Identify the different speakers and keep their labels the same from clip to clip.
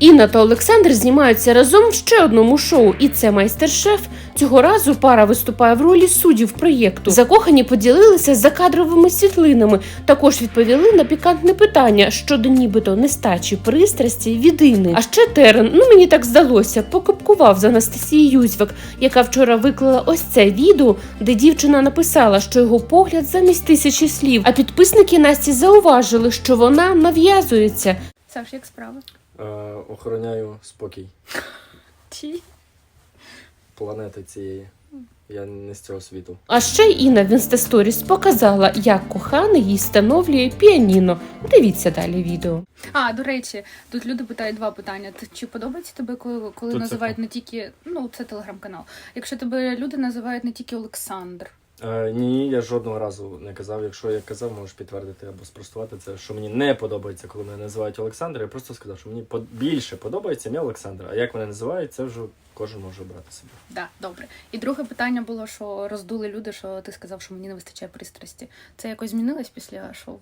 Speaker 1: Інна та Олександр знімаються разом в ще одному шоу, і це «Майстер-шеф». Цього разу пара виступає в ролі суддів проєкту. Закохані поділилися закадровими світлинами, також відповіли на пікантне питання щодо нібито нестачі пристрасті від Інни. А ще Терен, мені так здалося, покупкував з Анастасією Юзьвак, яка вчора виклала ось це відео, де дівчина написала, що його погляд замість 1000 слів, а підписники Насті зауважили, що вона нав'язується.
Speaker 2: Саш, як справи?
Speaker 3: Охороняю спокій
Speaker 2: Чи?
Speaker 3: планети цієї. Я не з цього світу.
Speaker 1: А ще Інна в інстасторіс показала, як коханий їй встановлює піаніно. Дивіться далі відео.
Speaker 2: До речі, тут люди питають два питання. Чи подобається тебе, коли називають не тільки... це телеграм-канал. Якщо тебе люди називають не тільки Олександр.
Speaker 3: Ні, я жодного разу не казав. Якщо я казав, можеш підтвердити або спростувати це, що мені не подобається, коли мене називають Олександр. Я просто сказав, що мені більше подобається ім'я Олександр. А як мене називають, це вже кожен може обрати собі.
Speaker 2: Так, добре. І друге питання було, що роздули люди, що ти сказав, що мені не вистачає пристрасті. Це якось змінилось після шоу?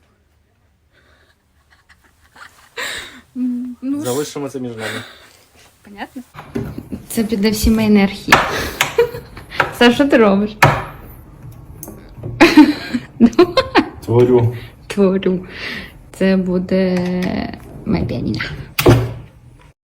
Speaker 3: Залишимо це між нами.
Speaker 2: Понятно?
Speaker 4: Це піде в сімейний архів. Саш, що ти робиш?
Speaker 3: Творю.
Speaker 4: Творю. Це буде моя піаніна.